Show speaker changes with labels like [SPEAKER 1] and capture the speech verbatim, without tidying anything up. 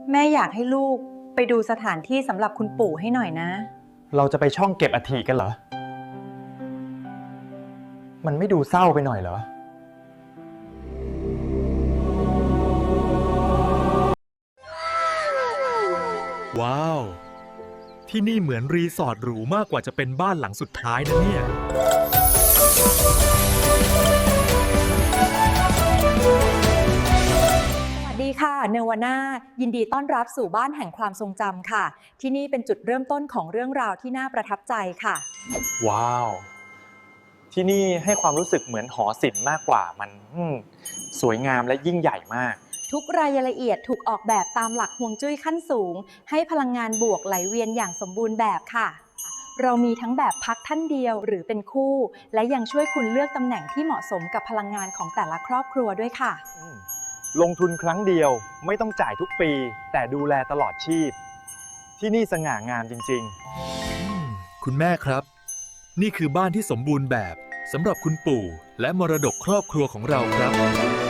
[SPEAKER 1] แม่อยากให้ลูกไปดูสถานที่สำหรับคุณปู่ให้หน่อยนะ
[SPEAKER 2] เราจะไปช่องเก็บอัฐิกันเหรอ มันไม่ดูเศร้าไปหน่อยเหรอ
[SPEAKER 3] ว้าว ที่นี่เหมือนรีสอร์ทหรูมากกว่าจะเป็นบ้านหลังสุดท้ายนะเนี่ย
[SPEAKER 1] สวัสดีค่ะเนวาน่ายินดีต้อนรับสู่บ้านแห่งความทรงจำค่ะ ที่นี่เป็นจุดเริ่มต้นของเรื่องราวที่น่าประทับใจค่ะ
[SPEAKER 2] ว้าว ที่นี่ให้ความรู้สึกเหมือนหอศิลป์มากกว่ามันอืมสวยงามและยิ่งใหญ่มาก
[SPEAKER 1] ทุกรายละเอียดถูกออกแบบตามหลักฮวงจุ้ยขั้นสูง ให้พลังงานบวกไหลเวียนอย่างสมบูรณ์แบบค่ะ เรามีทั้งแบบพักท่านเดียวหรือเป็นคู่ และยังช่วยคุณเลือกตำแหน่งที่เหมาะสมกับพลังงานของแต่ละครอบครัวด้วยค่ะ
[SPEAKER 2] ลงทุนครั้งเดียวไม่ต้องจ่ายทุกปี แต่ดูแลตลอดชีพ ที่นี่สง่างามจริง
[SPEAKER 3] คุณแม่ครับ นี่คือบ้านที่สมบูรณ์แบบสำหรับคุณปู่และมรดกครอบครัวของเราครับ